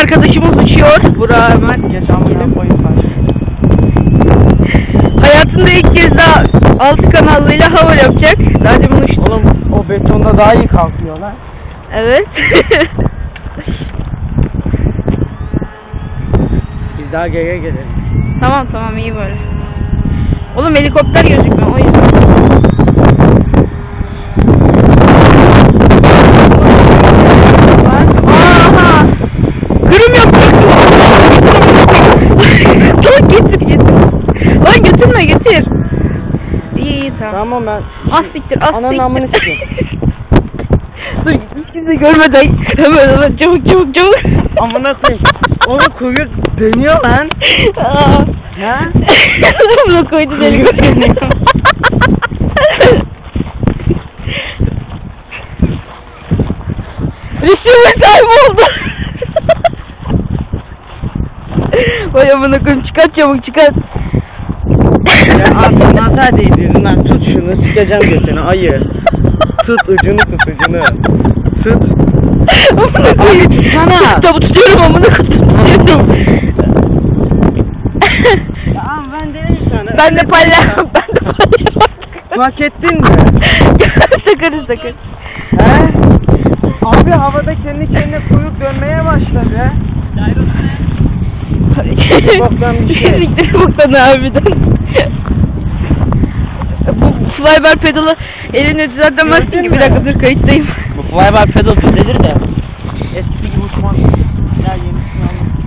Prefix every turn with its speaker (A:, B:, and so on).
A: Arkadaşımız uçuyor. Burak Ömer.
B: Geç amına koyayım ben.
A: Hayatında ilk kez daha altı kanallıyla hava yapacak. Daha önce bunu uçtu.
B: Oğlum o betonda daha iyi kalkıyor lan.
A: Evet.
B: Biz daha geriye gelelim.
A: Tamam iyi böyle. Oğlum helikopter gözükmüyor o yüzden. Aha! Kırım yapacaksın. Lan getir. Lan getir. İyi tamam.
B: Tamam ben.
A: Ah siktir.
B: Ananın amını sikeyim.
A: Dur hiç kimse görmeden hemen çabuk.
B: Amına koyayım. Oğlum kuyruk dönüyor lan.
A: Aa.
B: Ha?
A: Bunu koydu deli. Receiver kayboldu. Vay amına koyayım çıkart çabuk.
B: Ya abi nazar değdirdin lan, tut şunu, sikeceğim götünü ayı. Tut ucunu. Tut.
A: Amına koyayım.
B: Tutsana.
A: Tutuyorum amına koyayım.
B: Tamam ben dedim sana.
A: Ben de paylaşmam.
B: Hak ettin mi?
A: Sakın.
B: He? Abi havada kendi kendine kuyruk dönmeye başladı. Boktan bir şey.
A: Siktir boktan harbiden. Bu flybar pedalı elini düzeltemezsin ki. Bir dakika dur kayıttayım.
B: Bu flybar pedal düzelir de eski gibi uçmaz.